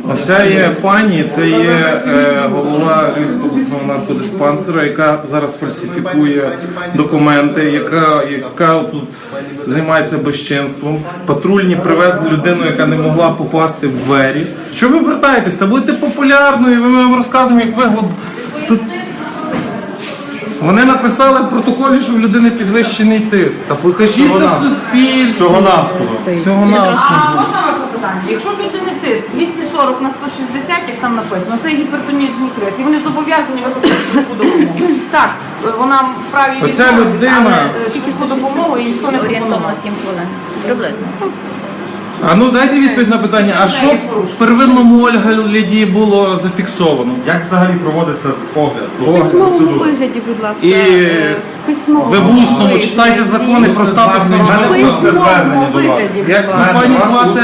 Оця є пані, це є голова Львівського обласного наркодиспансеру, яка зараз фальсифікує документи, яка тут займається безчинством. Патрульні привезли людину, яка не могла попасти в двері. Що ви обертаєтесь? Та будете популярною, ми вам розказуємо, як ви тут. Вони написали в протоколі, що в людини підвищений тиск. Та покажіть це суспільству. Всього-навсього. А можна вас запитання? Якщо в людини тиск 240 на 160, як там написано, це гіпертонічний криз, і вони зобов'язані виконувати швидку допомогу. Так, вона вправі відмовитися, але швидку допомогу і ніхто не пропонував. Орієнтовно 7 хвилин. Приблизно. А ну дайте відповідь на питання, а що в первинному огляді було зафіксовано? Як взагалі проводиться огляд? В письмовому вигляді, будь ласка. І В письмовому ви в усному вигляді. читайте закони про статус В громадянина. письмовому вигляді, будь Як ласка. пані звати?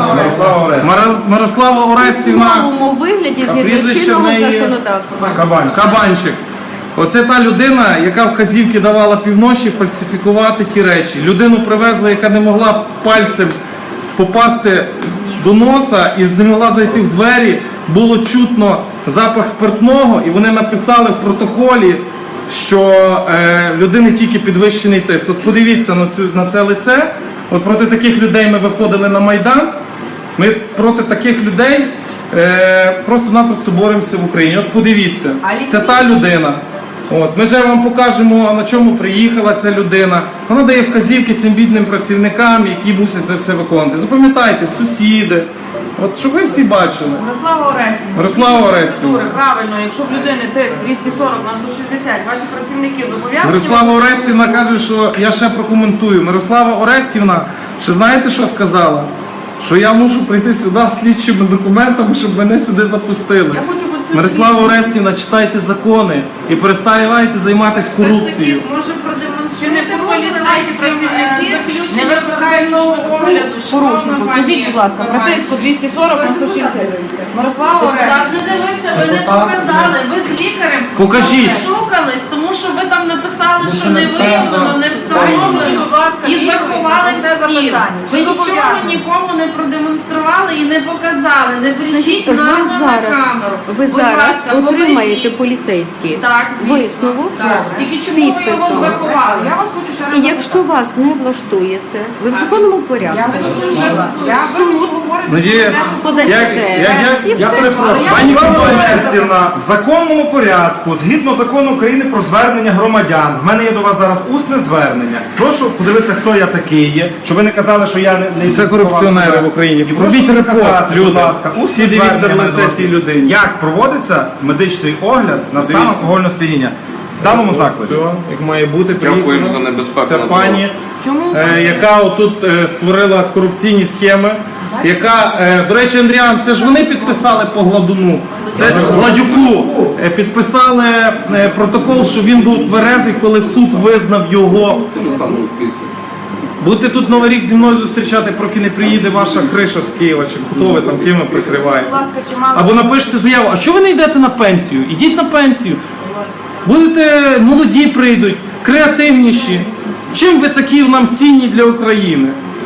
Мирослава В Орестівна. письмовому вигляді згідно прізвище чинного в неї законодавства. Кабанчик. Оце та людина, яка вказівки давала півночі фальсифікувати ті речі. Людину привезли, яка не могла пальцем попасти до носа і не могла зайти в двері. Було чутно запах спиртного, і вони написали в протоколі, що в людини тільки підвищений тиск. От подивіться на це лице. От проти таких людей ми виходили на Майдан. Ми проти таких людей просто-напросто боремося в Україні. От подивіться, це та людина. От, ми вже вам покажемо, на чому приїхала ця людина. Вона дає вказівки цим бідним працівникам, які мусять це все виконувати. Запам'ятайте, сусіди. От, щоб ви всі бачили. Мирослава Орестівна. Правильно, якщо в людини тиск 240 на 160, ваші працівники зобов'язані... Мирослава Орестівна каже, що я ще прокоментую. Мирослава Орестівна, ще знаєте, що сказала? Що я мушу прийти сюди з слідчими документами, щоб мене сюди запустили. Мирослава Орестівна, читайте закони і переставайте займатися корупцією. Може продемонструвати поліцейським заключення не викликають огляду. порушнику. Скажіть, будь ласка, про тиску 240 на 160. Мирослава Орестівна. Так, не дивився, ви не показали, ви з лікарем Покажіть. шукались, тому що ви там написали, що не виявлено, не встановлено і заховали в стіл. Ви нічого нікому не продемонстрували і не показали, не брешіть нам на камеру. Ви зараз ласка, отримаєте покажіть. поліцейський Так, звісно. висновок Так. Тільки з чому ви його підписом. заховали? Я вас хочу ще раз І якщо вас не влаштує це, ви в законному порядку. Надія, Подайте І Я все. перепрошую. Пані Орестівна, в законному порядку, згідно закону України про звернення громадян, в мене є до вас зараз усне звернення. Прошу подивитися, хто я такий є, щоб ви не казали, що я не це корупціонери в Україні. І прошу Робіть репост, сказати, люди. будь ласка, усне Всі дивіться в звернення лице мене цій людині. Як проводиться медичний огляд на стан Дивіться. алкогольного сп'яніння в даному закладі? Все, як має бути, Дякуємо приїхала за небезпеку ця на пані, яка отут створила корупційні схеми, яка, до речі, Андріан, це ж вони підписали по Гладуну, це Гладюку, підписали протокол, що він був тверезий, коли суд визнав його. Будете тут Новий рік зі мною зустрічати, поки не приїде ваша криша з Києва, чи хто ви там, ким ви прикриваєте. Або напишете заяву, а що ви не йдете на пенсію? Ідіть на пенсію. Будете, молоді прийдуть, креативніші. Чим ви такі нам цінні для України?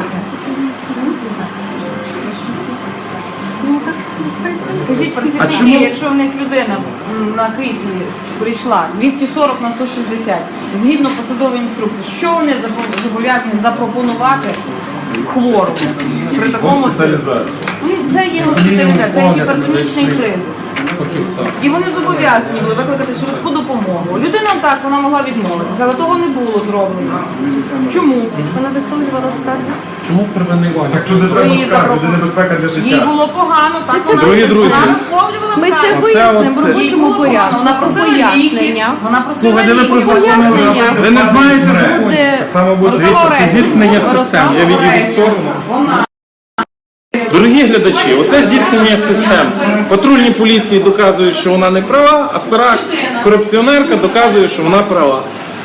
Скажіть, працівники, чому? якщо в них людина на кріслі прийшла 240 на 160, згідно посадової інструкції, що вони зобов'язані запропонувати хворому при такому це є госпіталізація, це є гіпертонічний кризис. І вони зобов'язані були викликати швидку допомогу. Людина так, вона могла відмовитися, але того не було зроблено. Чому? Вона висловлювала скаргу. Чому первинний огляд? Так тут не треба скарги, буде небезпека для Їй життя. було погано, так Дорогі друзі, вона висловлювала Ми це скаргу. вияснимо в Їй робочому було погано, порядку. вона просила ліки, Пояснення. вона просила Слухайте, ви про ліки. закони ви не знаєте закони. Буде Так само буде Дивіться, це зіткнення систем. Я відійду в сторону. Дорогі глядачі, оце зіткнення систем. Патрульні поліції доказують, що вона не права, а стара корупціонерка доказує, що вона права.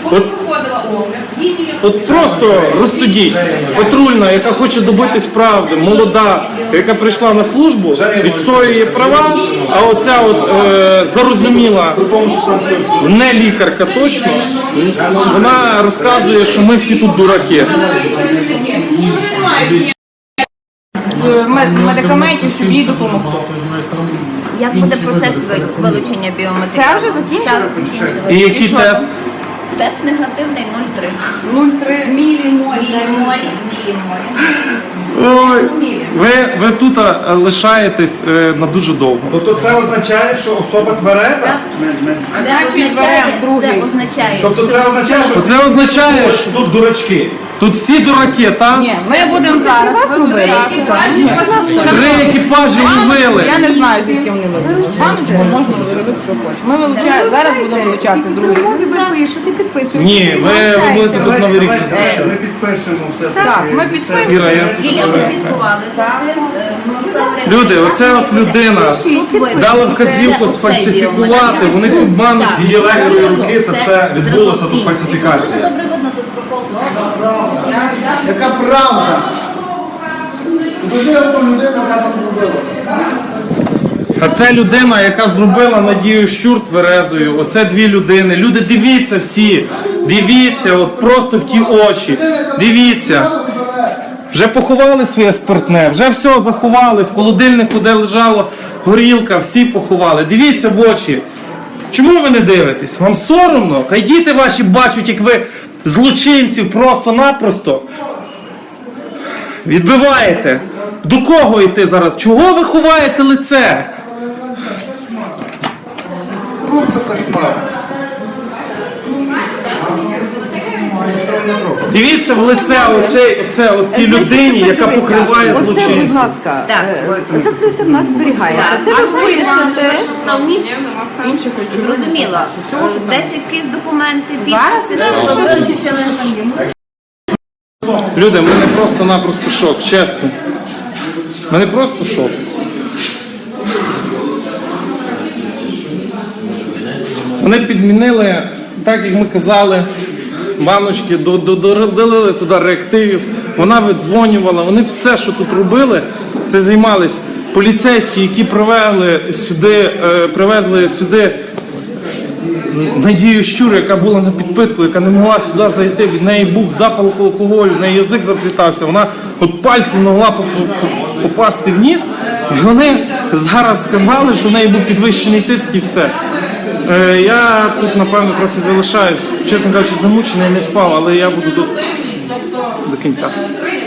От просто розсудіть. Патрульна, яка хоче добитись правди, молода, яка прийшла на службу, відстоює права, а оця от зарозуміла, не лікарка точно, вона розказує, що ми всі тут дураки. медикаментів, щоб їй допомогти. Як буде процес вилучення біометрії? Все вже закінчено? Так, закінчили. І який що тест? там? Тест негативний 0,3. 0,3 мілімолі. Мілімолі. Ви тут лишаєтесь на дуже довго. Тобто це означає, що особа твереза? Це означає, Тобто це означає, що Це означає, що тут дурачки. тут всі дураки, так? Ні, ми будемо зараз вибирати. Три екіпажі ловили. Я не знаю, звідки вони вилучать. Баночку можна робити, що хочеш. Ми вилучаємо, зараз будемо вилучати другий. Умови ви пишете, підписуєте. Ні, ви будете тут Новий рік зустрічати. Ми підпишемо все. Так, ми підписуємо. Іра, я- Діля послідкували за тим. Люди, оце от людина дала вказівку сфальсифікувати, вони цю баночку. Її легкої руки це все відбулося, тут Дуже фальсифікація. добре видно тут прокол. Яка правда? Покажи ту людину, яка там зробила. А це людина, яка зробила Надію Щур тверезою. Оце дві людини. Люди, дивіться всі. Дивіться, от просто в ті очі. Дивіться. Вже поховали своє спиртне, вже все заховали в холодильнику, де лежала горілка, всі поховали. Дивіться в очі. Чому ви не дивитесь? Вам соромно? Хай діти ваші бачать, як ви злочинців просто-напросто відбиваєте. До кого йти зараз? Чого ви ховаєте лице? Просто кошмар. Дивіться в лице оце от тій людині, яка покриває Оце, будь злочинців. ласка, Так. закрите в нас зберігається. Це ви пишете. На місці інших речей. Зрозуміло. Десь якісь документи, Зараз підписи, що ви вилучили. Люди, в мене просто-напросто шок, чесно. В мене просто шок. Вони підмінили, так як ми казали, баночки, додали туди реактивів, вона видзвонювала, вони все, що тут робили, це займались поліцейські, які привезли сюди Надію Щур, яка була на підпитку, яка не могла сюди зайти, від неї був запах алкоголю, в неї язик заплітався, вона от пальцем не могла попасти в ніс. І вони зараз сказали, що в неї був підвищений тиск і все. Я тут, напевно, трохи залишаюсь, чесно кажучи, замучений, не спав, але я буду тут до кінця.